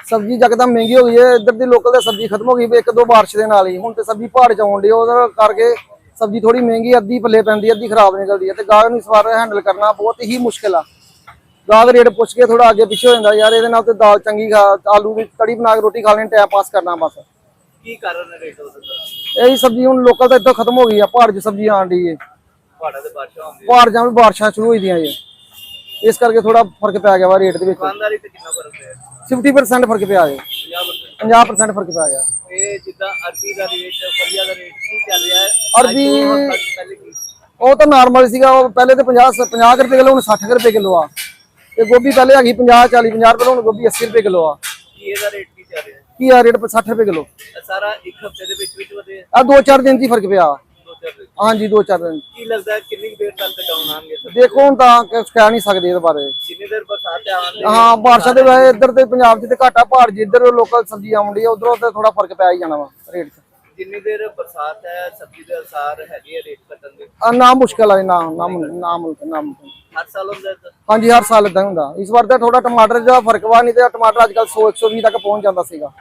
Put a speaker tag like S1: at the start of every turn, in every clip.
S1: सब्जी यकदम महंगी हो गई है। इधर की लोकल तो सब्जी खत्म हो गई एक दो बारिश के नाल ही। हुण तो सब्जी पहाड़ च आउण डी करके सब्जी थोड़ी महंगी अद्धी पल्ले पैंदी अद्धी खराब निकलती है। तो गाहक नूं इस बार हैंडल करना बहुत ही मुश्किल है। गाहक रेट पुछ के थोड़ा अगे पिछे हो जाता यार, ये नाल तो दाल चंगी खा आलू की कड़ी बना के रोटी खा लेनी, टाइम पास करना बस।
S2: की कारण है रेट
S1: यही सब्जी हुण लोकल तो इधर खत्म हो गई है, पहाड़ च सब्जी आण डी है। पहाड़ च बारिशां शुरू होई दियां इस करके थोड़ा फर्क पै गया वा रेट दे विच। 50% फर्क पिया है, 50% फर्क पै गया। अरबी वो तो नॉर्मल सीगा, पहले तो 50 रुपए किलो, 60 रुपए किलो आ। ते गोभी पहले हैगी 50-40 50 रुपए, हुण गोभी 80 रुपए किलो आ। घीया रेट 60 रुपए किलो।
S2: सारा एक हफ्ते दे विच विच वधे
S1: आ 2-4 दिन दी फर्क पिया। हाँ जी 2-4 दिन।
S2: की लगदा है कितनी देर तक डाउन आएंगे?
S1: देखो हुण तां कह नहीं सकदे इहदे बारे।
S2: जिन्नी देर बरसात आउंदी
S1: हाँ बारिशां दे वैसे इधर ते पंजाब च ते घाटा, पहाड़ च इधर लोकल सब्जी आउंदी है, उधरों ते थोड़ा फर्क पै ही जाना वा रेट च।
S2: जिन्नी देर बरसात है सब्जी दे असर हैगे रेट घटन दे
S1: ना मुश्किल है ना मुमकिन।
S2: हर साल होंदा है।
S1: हाँ जी हर साल इदां हुंदा। इस बार तो थोड़ा टमाटर दा फर्क वा, नहीं तो टमाटर अजकल 100-120 तक पहुंच जाता सीगा।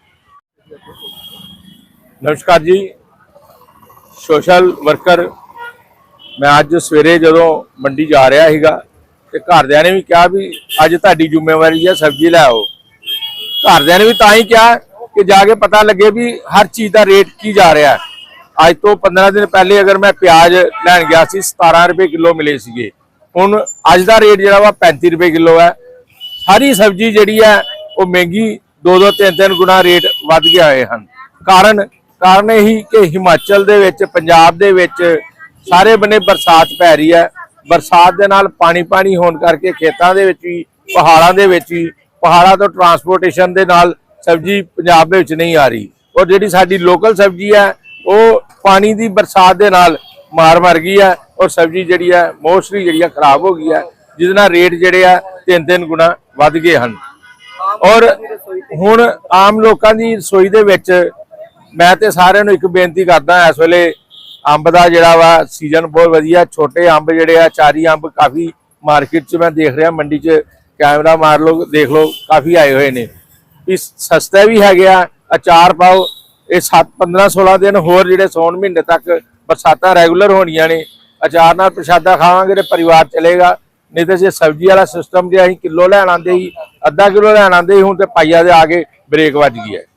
S3: नमस्कार जी, सोशल वर्कर मैं अज सवेरे जदों मंडी जा रहा सीगा ते घरदियां ने भी कहा भी अज तुहाडी जिम्मेवारी है सब्जी लै आओ। घरदियां ने भी तां ही कहा कि जाके पता लगे भी हर चीज़ का रेट की जा रहा है। अज तो 15 दिन पहले अगर मैं प्याज लैन गया सी 17 रुपए किलो मिले सीगे, हुण अज का रेट जिहड़ा वा 35 रुपए किलो है। सारी सब्जी जिहड़ी है वो महंगी 2-2 3-3 गुना रेट वध गए होए हन। कारण यही कि हिमाचल दे विच पंजाब दे विच सारे बने बरसात पै रही है। बरसात दे नाल पानी होने करके खेतों के भी पहाड़ों के भी पहाड़ों तो ट्रांसपोर्टेशन के नाल सब्जी पंजाब में नहीं आ रही, और जिहड़ी साडी लोकल सब्जी है वो पानी की बरसात के नाल मर गई है, और सब्जी जिहड़ी है मोस्टली जिहड़ी खराब हो गई है, जिस नाल रेट जिहड़े है 3-3 गुना वध गए हैं। और हुण आम लोगों की रसोई दे विच मैं तो सारिਆਂ ਨੂੰ एक बेनती करदा, इस वेले अंब का जिहड़ा वा सीजन बहुत वधिया, छोटे अंब जिहड़े आ चारी अंब काफ़ी मार्केट च मैं देख रहा, मंडी च कैमरा मार लो देख लो काफ़ी आए हुए ने। इस सस्ता भी है गया, अचार पाओ, ये 7-15-16 दिन होर जिहड़े सौन महीने तक बरसातां रैगूलर होणियां ने, अचार नाल प्रशादा खावांगे तो परिवार चलेगा। नहीं तो जे सब्जी वाला सिस्टम जे असीं किलो लैण आंदे ही, अद्धा किलो लैण आंदे ही, हुण ते पाइया दे आ के ब्रेक वज गई है।